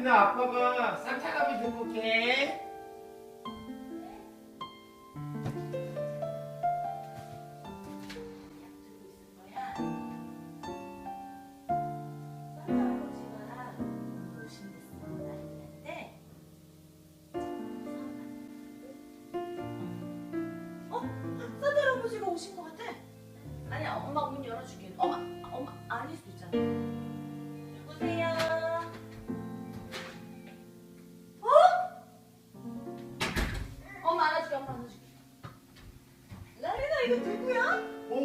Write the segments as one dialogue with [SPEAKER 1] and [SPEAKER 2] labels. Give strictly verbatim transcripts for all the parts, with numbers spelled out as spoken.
[SPEAKER 1] 나린아, 아빠가 산타감이 들고 올게.
[SPEAKER 2] 오신 것 같아. 아니야, 엄마 문 열어줄게. 엄마, 엄마 아닐 수도 있잖아. 누구세요? 어? 엄마 안아줄게, 엄마 안아줄게. 나린아, 이거 누구야?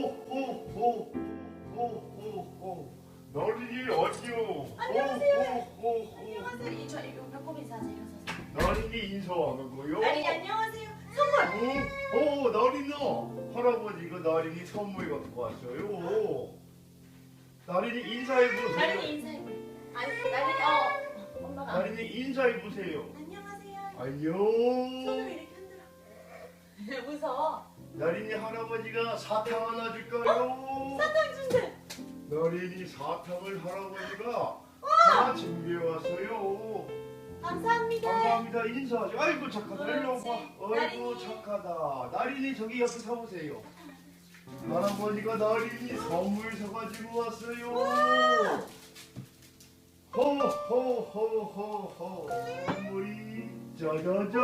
[SPEAKER 1] 오오오오오오 나린이 안녕.
[SPEAKER 2] 안녕하세요.
[SPEAKER 1] 오오오오
[SPEAKER 2] 안녕하세요. 이, 저 이거 배꼽 인사하세요. 일어서세요.
[SPEAKER 1] 나린이 인사하는 거요?
[SPEAKER 2] 나린이 안녕하세요. 선물.
[SPEAKER 1] 오, 오 나린아, 할아버지가 나린이 선물 갖고 왔어요. 나린이 인사해보세요.
[SPEAKER 2] 나린이 인사해. 아니, 나린이 어 엄마가.
[SPEAKER 1] 나린이 인사해보세요.
[SPEAKER 2] 안녕하세요.
[SPEAKER 1] 안녕.
[SPEAKER 2] 손을 이렇게 흔들어. 무서워.
[SPEAKER 1] 나린이 할아버지가 사탕 하나 줄까요?
[SPEAKER 2] 사탕 준대.
[SPEAKER 1] 나린이 사탕을 할아버지가 하나 준비해왔어요.
[SPEAKER 2] 감사합니다.
[SPEAKER 1] 감사합니다. 인사하죠. 아이고 착하다. 일로
[SPEAKER 2] 그렇지.
[SPEAKER 1] 와봐. 아이고
[SPEAKER 2] 나린이.
[SPEAKER 1] 착하다. 나린이 저기 옆에 서보세요. 할아버지가 나린이 선물 사가지고 왔어요. 호호호호호 선물이 짜자잔.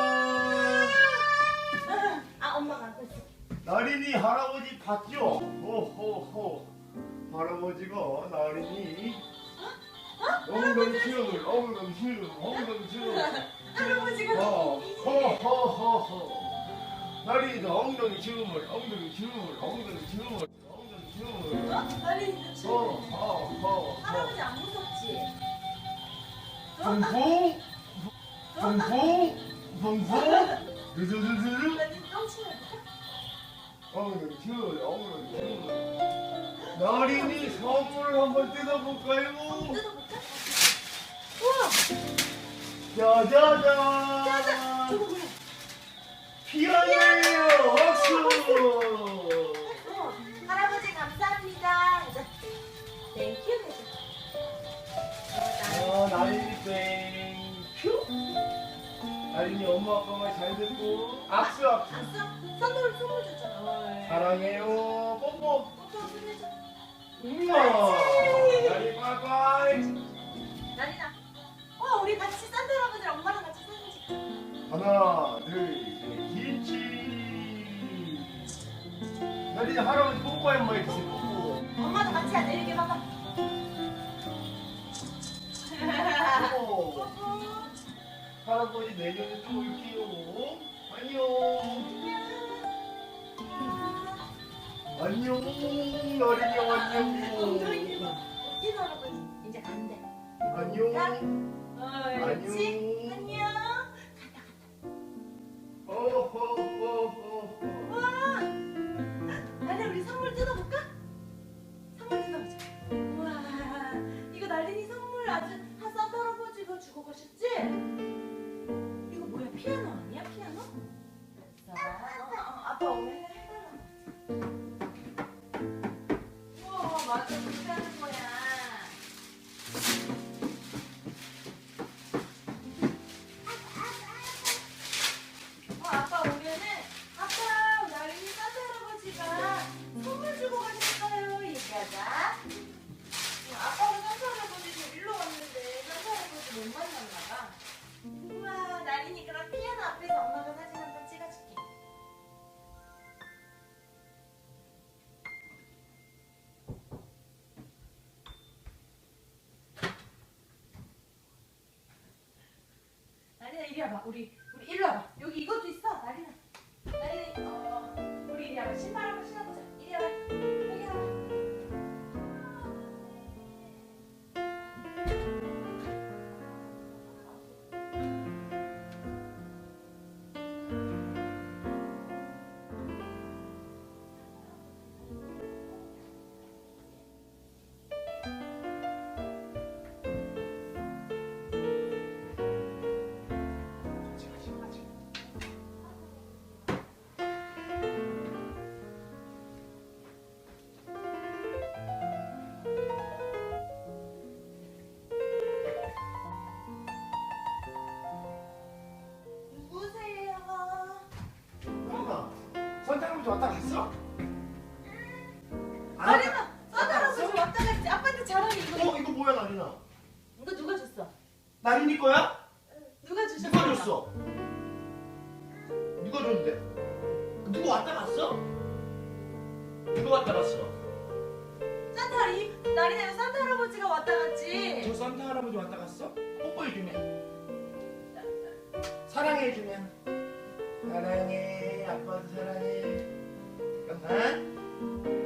[SPEAKER 2] 아, 엄마가 안고 있어.
[SPEAKER 1] 나린이 할아버지 봤죠? 호호호 할아버지가 나린이 엉덩치를 엉덩치를 엉덩치를
[SPEAKER 2] 할아버지가
[SPEAKER 1] 호호호호 나린이도 엉덩이 춤을 엉덩이 춤을 엉덩이 춤을 엉덩이 춤을
[SPEAKER 2] 나린이도 춤.
[SPEAKER 1] 호호호호
[SPEAKER 2] 할아버지 안 무섭지?
[SPEAKER 1] 붕붕 붕붕 붕붕 두두두두
[SPEAKER 2] 나린이 똥치면
[SPEAKER 1] 엉덩이 춤 엉덩이 춤 나린이 선물을 한번 뜯어볼까요?
[SPEAKER 2] 뜯어볼까? 우와!
[SPEAKER 1] 짜자잔!
[SPEAKER 2] 짜잔! 저거 뭐야?
[SPEAKER 1] 피아노예요! 박수!
[SPEAKER 2] 어, 할아버지 감사합니다. 땡큐 해줘.
[SPEAKER 1] 어, 나린이 땡큐! 나린이 엄마 아빠 말 잘 듣고 악수 악수!
[SPEAKER 2] 아싸, 선물 선물 줬잖아.
[SPEAKER 1] 사랑해요 뽀뽀!
[SPEAKER 2] 뽀뽀 끝내줘.
[SPEAKER 1] 우와! 나린이 빠이빠이!
[SPEAKER 2] 나린아, 어 우리 같이 산타 할아버지 엄마랑 같이 사진 찍자.
[SPEAKER 1] 하나 둘셋 김치! 나린이 할아버지 뽀뽀 한번 해주세요 뽀뽀!
[SPEAKER 2] 엄마도 같이 하자. 이렇게 봐봐.
[SPEAKER 1] 뽀뽀!
[SPEAKER 2] 뽀뽀.
[SPEAKER 1] 할아버지 내년에 또 올게요. 안녕. 안녕. 나린이 안녕.
[SPEAKER 2] 엉덩이 봐. 웃긴 할아버지. 이제 간대.
[SPEAKER 1] 안녕.
[SPEAKER 2] 어, 그렇지? 안녕.
[SPEAKER 1] 어허허허허.
[SPEAKER 2] 와. 나린이 우리 선물 뜯어볼까? 선물 뜯어보자. 우와. 이거 나린이 선물 아주 산타 할아버지가 주고 가셨지? 이거 뭐야? 피아노 아니야? 피아노? 자, 어, 어, 아빠 오늘 해달라고. 우와, 맞아. 그렇게 하는 거야. 어, 아빠 오면은 아빠 나린이 산타 할아버지가 선물 주고 가셨어요. 얘기하자. 아빠가 산타 할아버지 데리러 왔는데 산타 할아버지 못 만났나 봐. 우와, 나린이 그럼 피아노 앞에서 엄마가 사진 한 번 찍어줄게. 나린아 이리 와봐. 우리 우리 이리 와봐. 여기 이것도 있어. 나린아. 나린이 어 우리 이리 와봐. 신발 한번 신어보자. 이리 와봐. 여기 와봐.
[SPEAKER 1] 갔어? 안
[SPEAKER 2] 나린아, 산타
[SPEAKER 1] 갔-
[SPEAKER 2] 할아버지
[SPEAKER 1] 갔어?
[SPEAKER 2] 왔다 갔지. 아빠한테 잘하니 이거.
[SPEAKER 1] 어 이거 뭐야 나린아?
[SPEAKER 2] 이거 누가 줬어?
[SPEAKER 1] 나린이 거야?
[SPEAKER 2] 누가 주셨어?
[SPEAKER 1] 누가 줬어? 누가 줬는데? 누구 왔다 갔어? 누가 왔다 갔어?
[SPEAKER 2] 산타 할이 나린이랑 산타 할아버지가 왔다 갔지.
[SPEAKER 1] 저 산타 할아버지 왔다 갔어? 뽀뽀해주면 사랑해주면 사랑해 아빠도 사랑해 잠깐만